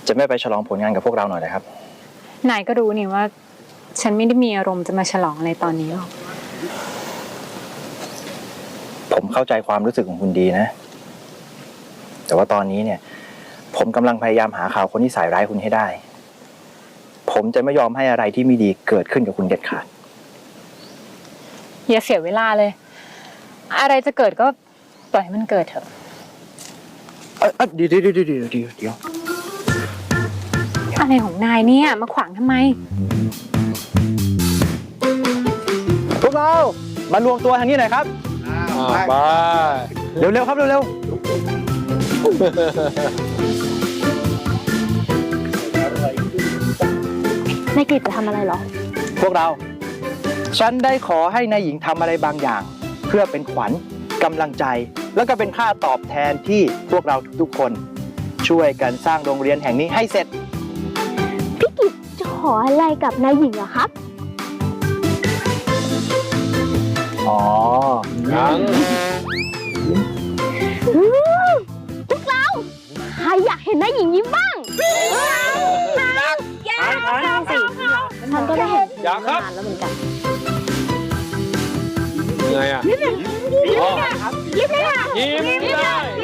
จะไม่ไปฉลองผลงานกับพวกเราหน่อยนะครับนายก็รู้นี่ว่าฉันไม่ได้มีอารมณ์จะมาฉลองอะไรตอนนี้หรอกผมเข้าใจความรู้สึกของคุณดีนะแต่ว่าตอนนี้เนี่ยผมกำลังพยายามหาข่าวคนที่ใส่ร้ายคุณให้ได้ผมจะไม่ยอมให้อะไรที่ไม่ดีเกิดขึ้นกับคุณเด็ดขาดอย่าเสียเวลาเลยอะไรจะเกิดก็ปล่อยให้มันเกิดเถอะเดี๋ยวอะไรของนายเนี่ยมาขวางทำไมพวกเรามารวมตัวทางนี้หน่อยครับมาเร็วๆครับเร็วนายกฤษจะทำอะไรเหรอพวกเราฉันได้ขอให้นายหญิงทำอะไรบางอย่างเพื่อเป็นขวัญกำลังใจแล้วก็เป็นค่าตอบแทนที่พวกเราทุกๆคนช่วยกันสร้างโรงเรียนแห่งนี้ให้เสร็จพี่กิจจะขออะไรกับนายหญิงเหรอครับอ๋อยังพวกเราใครอยากเห็นนายหญิงยิ้มบ้างอยากสิฉันก็ได้เห็นอยากครับนานแล้วเหมือนกันยังไงอ่ะยิ้มได้